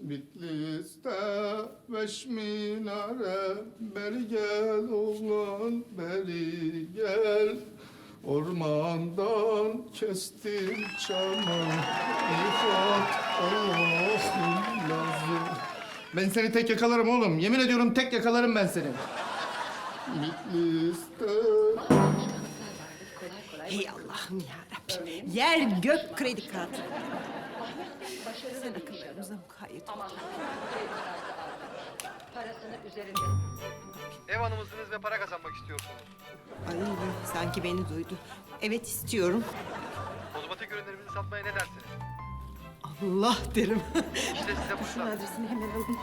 Bitlis'te beş minare, beri gel oğlan beri gel. Ormandan kestim çamı, İfat Allah'ım lazım. Ben seni tek yakalarım oğlum. Yemin ediyorum tek yakalarım ben seni. Bitlis'te... Hey Allah'ım yarabbim. Yer gök kredi kartı. Sen akıllarımıza mukayyet ol. Parasını üzerinde. Ev hanımısınız ve para kazanmak istiyorsunuz. Ay sanki beni duydu. Evet istiyorum. Kozmetik ürünlerimizi satmaya ne dersiniz? Allah derim. İşte size Şunun fırsat. adresini hemen alın.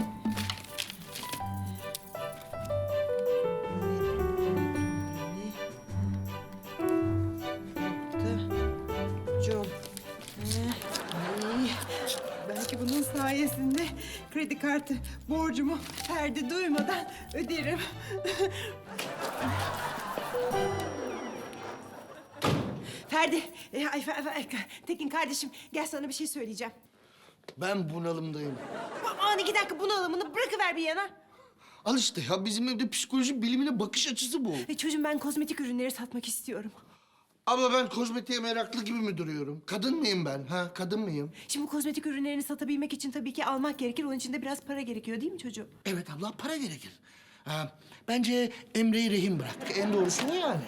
Com. Ay, belki bunun sayesinde kredi kartı borcumu Ferdi duymadan öderim. Ferdi, Tekin kardeşim gel sana bir şey söyleyeceğim. Ben bunalımdayım. Aman iki dakika bunalımını bırakıver bir yana. Al işte ya, bizim evde psikoloji bilimine bakış açısı bu. Çocuğum ben kozmetik ürünleri satmak istiyorum. Abla ben kozmetiğe meraklı gibi mi duruyorum? Kadın mıyım ben? Ha, kadın mıyım? Şimdi bu kozmetik ürünlerini satabilmek için tabii ki almak gerekir. Onun için de biraz para gerekiyor değil mi çocuğum? Evet abla, para gerekir. Ha, bence Emre'yi rehin bırak. En doğrusu o yani.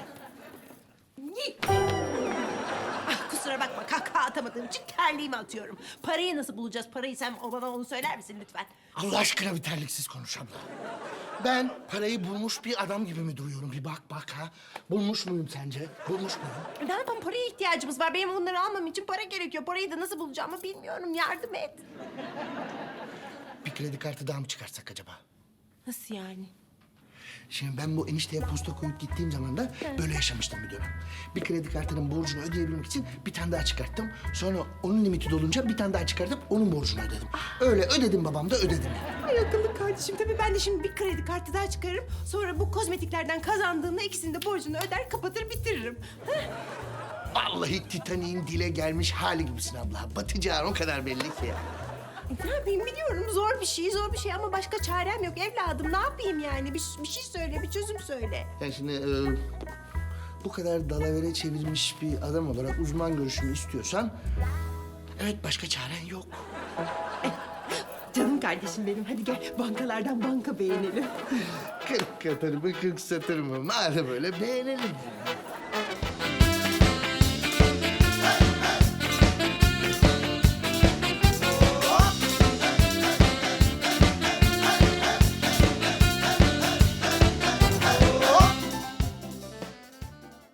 Ah, kusura bakma kahkaha atamadığım için terliğimi atıyorum. Parayı nasıl bulacağız? Parayı sen bana onu söyler misin lütfen? Allah aşkına bir terliksiz konuş abla. Ben parayı bulmuş bir adam gibi mi duruyorum? Bir bak ha. Bulmuş muyum sence? Bulmuş muyum? Ne yapalım paraya ihtiyacımız var. Benim bunları almam için para gerekiyor. Parayı da nasıl bulacağımı bilmiyorum. Yardım et. Bir kredi kartı daha mı çıkarsak acaba? Nasıl yani? Şimdi ben bu enişteye posta koyup gittiğim zaman da böyle yaşamıştım bir dönem. Bir kredi kartının borcunu ödeyebilmek için bir tane daha çıkarttım. Sonra onun limiti dolunca bir tane daha çıkartıp onun borcunu ödedim. Öyle ödedim babam da ödedim. Ay akıllı kardeşim. Tabii ben de şimdi bir kredi kartı daha çıkarırım. Sonra bu kozmetiklerden kazandığımda ikisinin de borcunu öder, kapatır, bitiririm. Vallahi Titanik'in dile gelmiş hali gibisin abla. Batacağın o kadar belli ki ya. Ne yapayım biliyorum zor bir şey ama başka çarem yok evladım. Ne yapayım yani? Bir şey söyle, bir çözüm söyle. Yani şimdi bu kadar dalavere çevirmiş bir adam olarak uzman görüşümü istiyorsan... Evet, başka çaren yok. Canım kardeşim benim. Hadi gel bankalardan banka beğenelim. 40 yatırımı 40 satırımı. Madem öyle beğenelim.